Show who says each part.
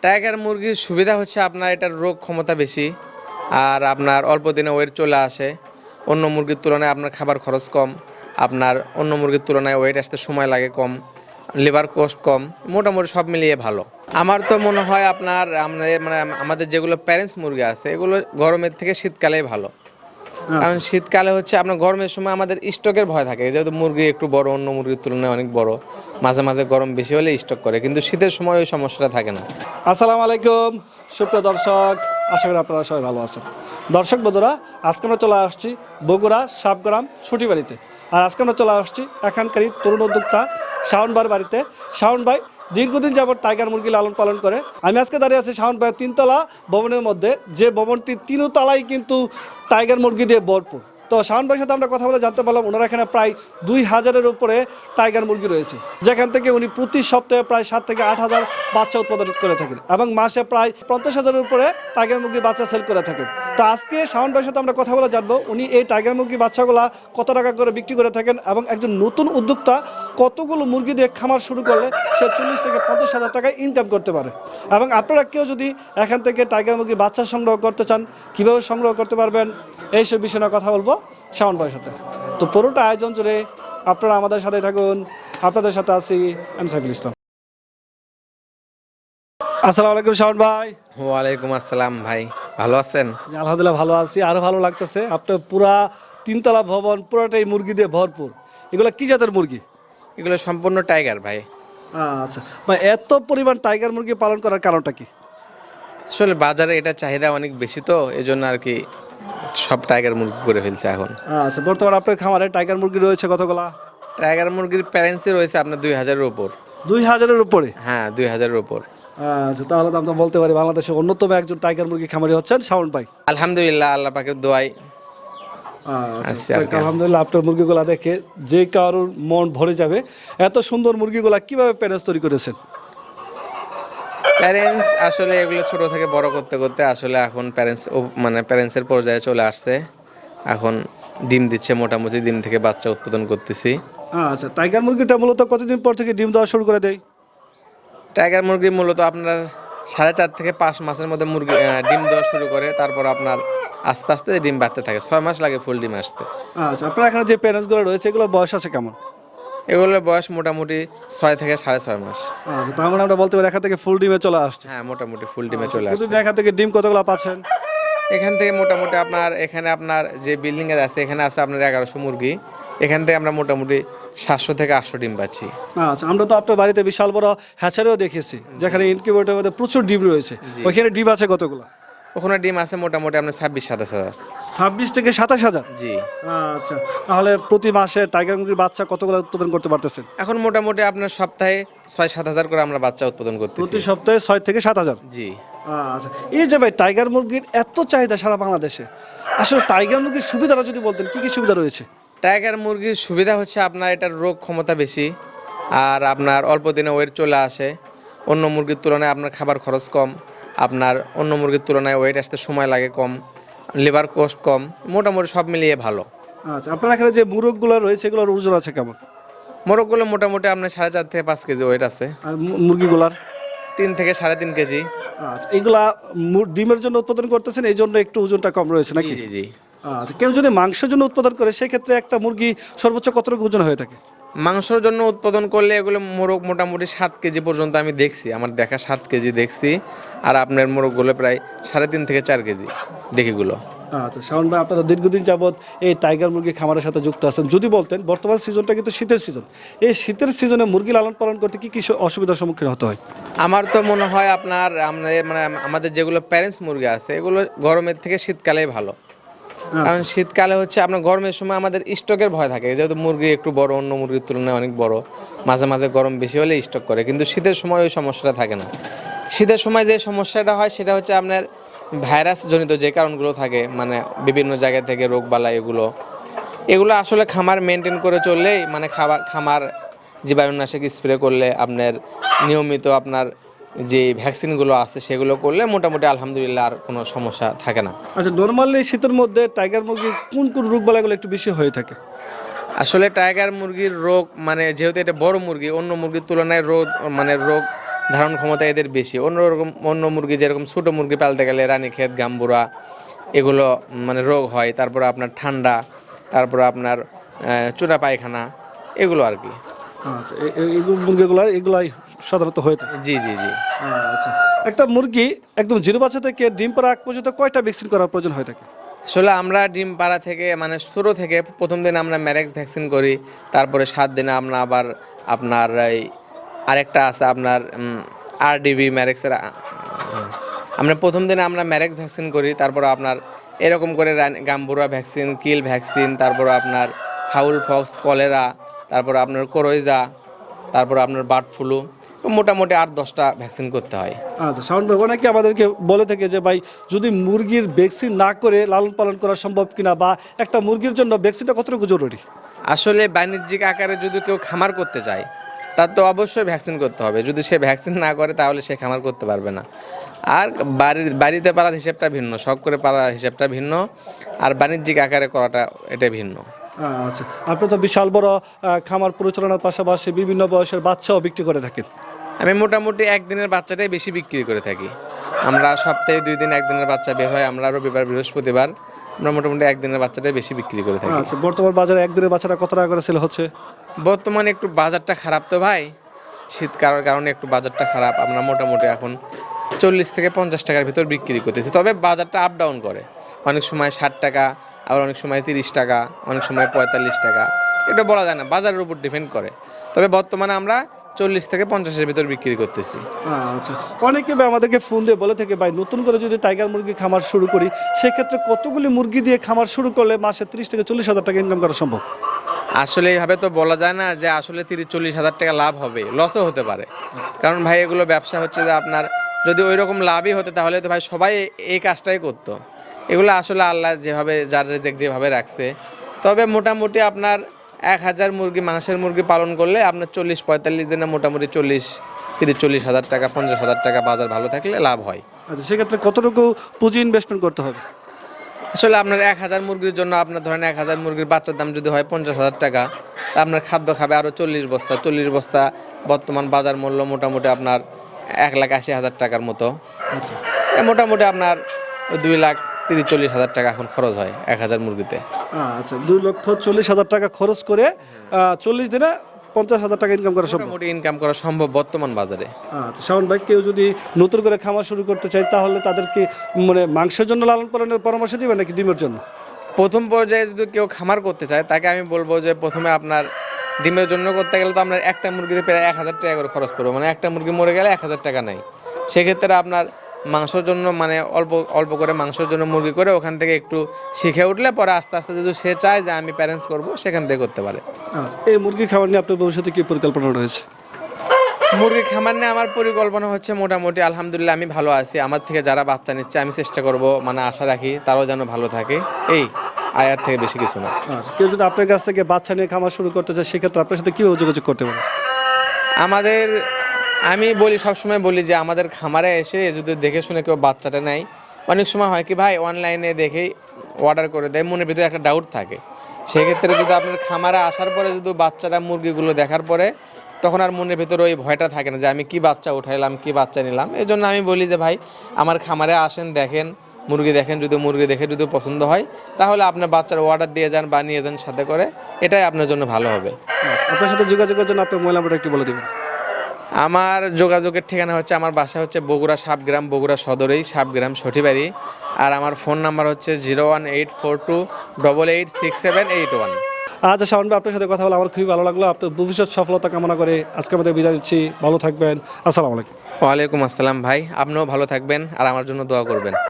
Speaker 1: Tiger মুরগির সুবিধা হচ্ছে আপনার এটার রোগ ক্ষমতা বেশি, আর আপনার অল্প দিনে ওয়েট চলে আসে। অন্য মুরগির তুলনায় আপনার খাবার খরচ কম, আপনার অন্য মুরগির তুলনায় ওয়েট আসতে সময় লাগে কম, লিভার কস্ট কম, মোটামুটি সব মিলিয়ে ভালো। আমার তো মনে হয় আপনার আমাদের যেগুলো প্যারেন্টস মুরগি আছে এগুলো গরমের থেকে শীতকালেই ভালো। কারণ শীতকালে হচ্ছে আপনার গরমের সময় আমাদের স্টকের ভয় থাকে, যেহেতু মুরগি একটু বড়, অন্য মুরগির তুলনায় অনেক বড়, মাঝে মাঝে গরম বেশি হলে স্টক করে, কিন্তু শীতের সময় ওই সমস্যাটা থাকে না।
Speaker 2: আসসালামু আলাইকুম সুপ্রিয় দর্শক, আশা করি আপনারা সবাই ভালো আছেন। দর্শক বন্ধুরা, আজকে আমরা চলে আসছি বগুড়া সাবগ্রাম ছুটিবাড়িতে। আর আজকে আমরা চলে আসছি এখানকারই তরুণ উদ্যোক্তা শাওন ভাইয়ের বাড়িতে। শাওন ভাই দীর্ঘদিন যাবত টাইগার মুরগি লালন পালন করে। আমি আজকে দাঁড়িয়ে আছি শাওন ভাইয়ের তিনতলা ভবনের মধ্যে, যে ভবনটি তিনতলায় কিন্তু টাইগার মুরগি দিয়ে ভরপুর। তো শাওন ভাইয়ের সাথে আমরা কথা বলে জানতে পারলাম ওনার এখানে প্রায় 2000-এর উপরে টাইগার মুরগি রয়েছে, যেখান থেকে উনি প্রতি সপ্তাহে প্রায় 7 থেকে 8,000 বাচ্চা উৎপাদন করে থাকেন এবং মাসে প্রায় 50,000-এর উপরে টাইগার মুরগি বাচ্চা সেল করে থাকেন। তো আজকে শাওন ভাইয়ের সাথে আমরা কথা বলে জানবো উনি এই টাইগার মুরগি বাচ্চাগুলা কত টাকা করে বিক্রি করে থাকেন এবং একজন নতুন উদ্যোক্তা কতগুলো মুরগি দিয়ে খামার শুরু করলে সে 40 থেকে 50,000 টাকা ইনকাম করতে পারে। এবং আপনারা কেউ যদি এখান থেকে টাইগার মুরগি বাচ্চা সংগ্রহ করতে চান, কীভাবে সংগ্রহ করতে পারবেন, এইসব বিষয়ে কথা বলবো শাওন ভাইয়ের সাথে। তো পুরোটা আয়োজন জুড়ে আপনারা আমাদের সাথে থাকুন। আপনাদের সাথে আছি আমি সাইফুল ইসলাম। আসসালামু আলাইকুম শাওন ভাই।
Speaker 1: ওয়ালাইকুম আসসালাম ভাই, ভালো আছেন?
Speaker 2: জি, আলহামদুলিল্লাহ ভালো আছি। আরো ভালো লাগতেছে, আপনার পুরা তিনতলা ভবন পুরোটাই মুরগি দিয়ে ভরপুর। এগুলো কি জাতের মুরগি?
Speaker 1: এগুলো সম্পূর্ণ টাইগার ভাই।
Speaker 2: আচ্ছা ভাই, এত পরিমাণ টাইগার মুরগি পালন করার কারণটা কি?
Speaker 1: আসলে বাজারে এটা চাহিদা অনেক বেশি, তো এই জন্য আর কি সব টাইগার মুরগি করে ফেলছে এখন।
Speaker 2: আচ্ছা, বর্তমানে আপনার খামারে টাইগার মুরগি রয়েছে কতগুলা?
Speaker 1: টাইগার মুরগির প্যারেন্টসই রয়েছে আপনার 2000-এর উপর।
Speaker 2: 2000-এর উপরে?
Speaker 1: হ্যাঁ, 2000-এর উপর।
Speaker 2: আচ্ছা, তাহলে তো আমরা বলতে পারি বাংলাদেশের অন্যতম একজন টাইগার মুরগি খামারি হচ্ছেন শাওন ভাই।
Speaker 1: আলহামদুলিল্লাহ, আল্লাহ পাকের দোয়ায়।
Speaker 2: আচ্ছা, আলহামদুলিল্লাহ। আপনার মুরগিগুলা দেখে যে কারোর মন ভরে যাবে। এত সুন্দর মুরগিগুলা কিভাবে প্যারেন্টস তৈরি করেছেন?
Speaker 1: প্যারেন্টস আসলে এগুলো ছোট থেকে বড় করতে করতে আসলে এখন প্যারেন্টসের পর্যায়ে চলে আসছে। এখন ডিম দিচ্ছে, মোটামুটি ডিম থেকে বাচ্চা উৎপাদন করতেছি।
Speaker 2: আচ্ছা, টাইগার মুরগিটা মূলত কতদিন পর থেকে ডিম দেওয়া শুরু করে দেয়?
Speaker 1: টাইগার মুরগি মূলত আপনার 4.5 থেকে 5 মাসের মধ্যে মুরগি ডিম দেওয়া শুরু করে, তারপর আপনার আস্তে আস্তে ডিম বাড়তে থাকে। 6 মাস লাগে ফুল ডিম আসতে।
Speaker 2: আচ্ছা, আপনার এখানে যে প্যারেন্টসগুলো রয়েছে এগুলো বয়স আছে কেমন?
Speaker 1: এগুলোর বয়স মোটামুটি 6 থেকে 6.5 মাস।
Speaker 2: আচ্ছা, তার মানে আমরা বলতে পারি এখান থেকে ফুল ডিমে চলে আসছে।
Speaker 1: হ্যাঁ, মোটামুটি ফুল ডিমে চলে আসছে।
Speaker 2: প্রতিদিন এখান থেকে ডিম কতগুলো পাচ্ছেন?
Speaker 1: এখান থেকে মোটামুটি আপনার যে বিল্ডিং এ আছে, এখানে আছে আপনার 1100 মুরগি। এখান থেকে আমরা মোটামুটি 700 থেকে 800 ডিম পাচ্ছি।
Speaker 2: আচ্ছা, আমরা তো আপনার বাড়িতে বিশাল বড় হ্যাচারিও দেখেছি, যেখানে ইনকিউবেটরের মধ্যে প্রচুর ডিম রয়েছে। ওইখানে ডিম আছে কতগুলো?
Speaker 1: ওখানে ডিম আছে মোটামুটি আপনার 26-27 হাজার।
Speaker 2: 26 থেকে 27,000?
Speaker 1: জি।
Speaker 2: আচ্ছা, তাহলে প্রতি মাসে টাইগার মুরগির বাচ্চা কতগুলো উৎপাদন করতে পারতেছেন?
Speaker 1: এখন মোটামুটি আপনার সপ্তাহে 6-7 হাজার করে আমরা বাচ্চা উৎপাদন করতেছি।
Speaker 2: প্রতি সপ্তাহে 6 থেকে 7,000?
Speaker 1: জি।
Speaker 2: আচ্ছা, এই যে ভাই টাইগার মুরগির এত চাহিদা সারা বাংলাদেশে, আসলে টাইগার মুরগির সুবিধাটা যদি বলতেন, কি কি সুবিধা রয়েছে?
Speaker 1: টাইগার মুরগির সুবিধা হচ্ছে আপনার এটার রোগ ক্ষমতা বেশি, আর আপনার অল্প দিনে ওয়েট চলে আসে। অন্য মুরগির তুলনায় আপনার খাবার খরচ কম, আপনার অন্য মুরগির তুলনায় ওয়েট আসতে সময় লাগে কম, লিভার কস্ট কম, মোটামুটি সব মিলিয়ে ভালো।
Speaker 2: আচ্ছা, আপনার এখানে যে মুরগগুলো রয়েছে এগুলোর ওজন আছে কেমন?
Speaker 1: মোরগগুলো মোটামুটি আপনার 4.5 থেকে 5 কেজি ওয়েট আছে।
Speaker 2: আর মুরগিগুলার?
Speaker 1: 3 থেকে 3.5 কেজি।
Speaker 2: আচ্ছা, এগুলা ডিমের জন্য উৎপাদন করতেছেন, এই জন্য একটু ওজনটা কম রয়েছে নাকি?
Speaker 1: জি জি।
Speaker 2: আচ্ছা, কেউ যদি মাংসের জন্য উৎপাদন করে সেক্ষেত্রে একটা মুরগি সর্বোচ্চ কতটুকু ওজন হয়ে থাকে?
Speaker 1: মাংসের জন্য উৎপাদন করলে এগুলো মোরগ মোটামুটি 7 কেজি পর্যন্ত আমি দেখছি, আমার দেখা 7 কেজি দেখছি। আর আপনার মোরগগুলো প্রায় 3.5 থেকে 4 কেজি দেখিগুলো।
Speaker 2: আচ্ছা, শাওন ভাই, আপনারা দীর্ঘদিন যাবৎ এই টাইগার মুরগি খামারের সাথে যুক্ত আছেন, যদি বলতেন বর্তমান সিজনটা কিন্তু শীতের সিজন, এই শীতের সিজনে মুরগি লালন পালন করতে কি কি অসুবিধার সম্মুখীন হতে হয়?
Speaker 1: আমার তো মনে হয় আমাদের যেগুলো প্যারেন্টস মুরগি আছে এগুলো গরমের থেকে শীতকালেই ভালো। কারণ শীতকালে হচ্ছে আপনার গরমের সময় আমাদের স্টকের ভয় থাকে, যেহেতু মুরগি একটু বড়, অন্য মুরগির তুলনায় অনেক বড়, মাঝে মাঝে গরম বেশি হলে স্টক করে, কিন্তু শীতের সময় ওই সমস্যাটা থাকে না। শীতের সময় যে সমস্যাটা হয় সেটা হচ্ছে আপনার ভাইরাস জনিত যে কারণগুলো থাকে, বিভিন্ন জায়গা থেকে রোগ বালাই, এগুলো আসলে খামার মেনটেন করে চললেই, খামার জীবাণুনাশক স্প্রে করলে, আপনার নিয়মিত আপনার যে ভ্যাকসিনগুলো আছে সেগুলো করলে মোটামুটি আলহামদুলিল্লাহ আর কোনো সমস্যা থাকে না।
Speaker 2: আচ্ছা, নর্মালি শীতের মধ্যে টাইগার মুরগির কোন কোন রোগ বালাইগুলো একটু বেশি হয়ে থাকে?
Speaker 1: আসলে টাইগার মুরগির রোগ যেহেতু এটা বড় মুরগি, অন্য মুরগির তুলনায় রোগ ধারণ ক্ষমতা এদের বেশি। অন্য মুরগি যেরকম ছোটো মুরগি পালতে গেলে রানীক্ষেত, গাম্বুরা এগুলো মানে রোগ হয়, তারপরে আপনার ঠান্ডা, তারপরে আপনার চূড়া পায়খানা এগুলো আর কি।
Speaker 2: আচ্ছা, এই এগুলাই সাধারণত হয়ে থাকে।
Speaker 1: জি জি জি।
Speaker 2: আচ্ছা, একটা মুরগি একদম জিরো বাচ্চা থেকে ডিম পাড়া আগ পর্যন্ত কয়টা ভ্যাকসিন করার প্রয়োজন হয়ে থাকে?
Speaker 1: আসলে আমরা ডিম পাড়া থেকে মানে শুরু থেকে প্রথম দিন আমরা ম্যারেক্স ভ্যাকসিন করি, তারপরে 7 দিনে আমরা আবার আপনার এই আরেকটা আছে আপনার আরডিবি ম্যারেক্সের আমরা প্রথম দিনে আমরা ম্যারেক্স ভ্যাকসিন করি, তারপর আপনার এরকম করে গাম্বুরা ভ্যাকসিন, কিল ভ্যাকসিন, তারপর আপনার ফাউল ফক্স, কলেরা, তারপর আপনার কোরোইজা, তারপর আপনার বার্ড ফ্লু, মোটামুটি 8-10টা ভ্যাকসিন করতে হয়।
Speaker 2: আচ্ছা, শাওন ভাই, অনেকে আমাদেরকে বলে থাকে যে ভাই যদি মুরগির ভ্যাকসিন না করে লালন পালন করা সম্ভব কিনা, বা একটা মুরগির জন্য ভ্যাকসিনটা কতটুকু জরুরি?
Speaker 1: আসলে বাণিজ্যিক আকারে যদি কেউ খামার করতে চায় তার তো অবশ্যই ভ্যাকসিন করতে হবে। যদি সে ভ্যাকসিন না করে তাহলে সে খামার করতে পারবে না। আর বাড়িতে পালার হিসেবটা ভিন্ন, শখ করে পালার হিসেবটা ভিন্ন, আর বাণিজ্যিক আকারে করাটা এটা ভিন্ন।
Speaker 2: আচ্ছা, আপনি তো বিশাল বড় খামার পরিচালনার পাশাপাশি বিভিন্ন বয়সের বাচ্চাও বিক্রি করে থাকেন।
Speaker 1: আমি মোটামুটি একদিনের বাচ্চাটাই বেশি বিক্রি করে থাকি। আমরা সপ্তাহে 2 দিন একদিনের বাচ্চা বের হয়, আমরা রবিবার বৃহস্পতিবার আমরা মোটামুটি একদিনের বাচ্চাটাই বেশি বিক্রি করে থাকি।
Speaker 2: আচ্ছা, বর্তমান বাজারে একদিনের বাচ্চাটা কত টাকা করে সেল হচ্ছে?
Speaker 1: বর্তমানে একটু বাজারটা খারাপ তো ভাই, শীতকালের কারণে একটু বাজারটা খারাপ। আমরা মোটামুটি এখন 40 থেকে 50 টাকার ভিতর বিক্রি করতেছি, তবে বাজারটা আপ ডাউন করে। অনেক সময় 60 টাকা, আবার অনেক সময় 30 টাকা, অনেক সময় 45 টাকা, এটা বলা যায় না, বাজারের উপর ডিপেন্ড করে। তবে বর্তমানে আমরা 40 থেকে 50-এর ভিতর বিক্রি করতেছি।
Speaker 2: আচ্ছা, অনেকে ভাই আমাদেরকে ফোন দিয়ে বলে থেকে ভাই নতুন করে যদি টাইগার মুরগি খামার শুরু করি, সেক্ষেত্রে কতগুলি মুরগি দিয়ে খামার শুরু করলে মাসে 30 থেকে 40 হাজার টাকা ইনকাম করা সম্ভব?
Speaker 1: আসলে এইভাবে তো বলা যায় না যে আসলে 30-40 হাজার টাকা লাভ হবে, লসও হতে পারে। কারণ ভাই এগুলো ব্যবসা হচ্ছে যে আপনার যদি ওই রকম লাভই হতো তাহলে তো ভাই সবাই এই কাজটাই করতো। এগুলো আসলে আল্লাহ যেভাবে যার রেজেক যেভাবে রাখছে। তবে মোটামুটি আপনার 1000 মুরগি, মাংসের মুরগি পালন করলে আপনার 40-45 দিনে মোটামুটি 30-40 হাজার টাকা, 50 হাজার টাকা বাজার ভালো থাকলে লাভ হয়।
Speaker 2: আচ্ছা, সেক্ষেত্রে কতটুকু পুঁজি ইনভেস্টমেন্ট করতে হবে?
Speaker 1: আসলে আপনার 1000 মুরগির জন্য আপনার ধরেন 1000 মুরগির বাচ্চার দাম যদি হয় 50 হাজার টাকা, তা আপনার খাদ্য খাবে আরও 40 বস্তা। 40 বস্তা বর্তমান বাজার মূল্য মোটামুটি আপনার 1,80,000 টাকার মতো।
Speaker 2: আচ্ছা,
Speaker 1: মোটামুটি আপনার 2,30,40 হাজার টাকা এখন খরচ হয় 1000 মুরগিতে।
Speaker 2: আচ্ছা, 2,40,000 টাকা খরচ করে 40 দিনে 50,000 টাকা ইনকাম করা সম্ভব?
Speaker 1: মোটামুটি ইনকাম করা সম্ভব বর্তমান বাজারে।
Speaker 2: আচ্ছা, শাওন ভাই, কেউ যদি নতুন করে খামার শুরু করতে চায় তাহলে তাদেরকে মানে মাংসের জন্য লালন পালনের পরামর্শ দিবেন নাকি ডিমের জন্য?
Speaker 1: প্রথম পর্যায়ে যদি কেউ খামার করতে চায় তাকে আমি বলবো যে প্রথমে আপনার ডিমের জন্য করতে গেলে তো আপনার একটা মুরগিতে প্রায় 1000 টাকা করে খরচ পড়বে, মানে একটা মুরগি মরে গেলে 1000 টাকা নেই। সেক্ষেত্রে আপনার মাংসের জন্য মানে অল্প অল্প করে মাংসের জন্য মুরগি করে ওখান থেকে একটু শিখে উঠলে পরে আস্তে আস্তে যদি সে চায় যে আমি প্যারেন্টস করব সেখান থেকে করতে পারে।
Speaker 2: আচ্ছা, এই মুরগি খাবার নিয়ে আপনার ভবিষ্যতে কি পরিকল্পনা রয়েছে?
Speaker 1: মুরগি খামার নিয়ে আমার পরিকল্পনা হচ্ছে মোটামুটি আলহামদুলিল্লাহ আমি ভালো আছি। আমার থেকে যারা বাচ্চা নিচ্ছে আমি চেষ্টা করব, মানে আশা রাখি তারাও যেন ভালো থাকে, এই আয়ার থেকে বেশি কিছু না।
Speaker 2: আচ্ছা, কেউ যদি আপনার কাছ থেকে বাচ্চা নিয়ে খামার শুরু করতে চায় সেক্ষেত্রে আপনার সাথে কীভাবে যোগাযোগ করতে পারে?
Speaker 1: আমি বলি, সবসময় বলি যে আমাদের খামারে এসে যদি দেখে শুনে কেউ বাচ্চাটা নেয়, অনেক সময় হয় কি ভাই অনলাইনে দেখেই অর্ডার করে দেয়, মনের ভিতরে একটা ডাউট থাকে। সেক্ষেত্রে যদি আপনার খামারে আসার পরে যদি বাচ্চারা মুরগিগুলো দেখার পরে তখন আর মনের ভিতরে ওই ভয়টা থাকে না যে আমি কি বাচ্চা উঠাইলাম, কি বাচ্চা নিলাম। এই জন্য আমি বলি যে ভাই আমার খামারে আসেন, দেখেন মুরগি, দেখেন, যদি মুরগি দেখে যদি পছন্দ হয় তাহলে আপনার বাচ্চার অর্ডার দিয়ে যান বা নিয়ে যান সাথে করে, এটাই আপনার জন্য ভালো হবে।
Speaker 2: আপনার সাথে যোগাযোগের জন্য আপনার মোবাইল নাম্বারটা একটু বলে দেবেন।
Speaker 1: আমার যোগাযোগের ঠিকানা হচ্ছে, আমার বাসা হচ্ছে বগুড়া সাবগ্রাম, বগুড়া সদরেই সাবগ্রাম সঠিবাড়ি। আর আমার ফোন নাম্বার হচ্ছে 01842886781।
Speaker 2: আচ্ছা, শাওন ভাই, আপনার সাথে কথা বলে আমার খুবই ভালো লাগলো। আপনার ভবিষ্যৎ সফলতা কামনা করে আজকে আমাদের বিদায় দিচ্ছি। ভালো থাকবেন। আসসালামু আলাইকুম।
Speaker 1: ওয়ালাইকুম আসসালাম ভাই, আপনিও ভালো থাকবেন আর আমার জন্য দোয়া করবেন।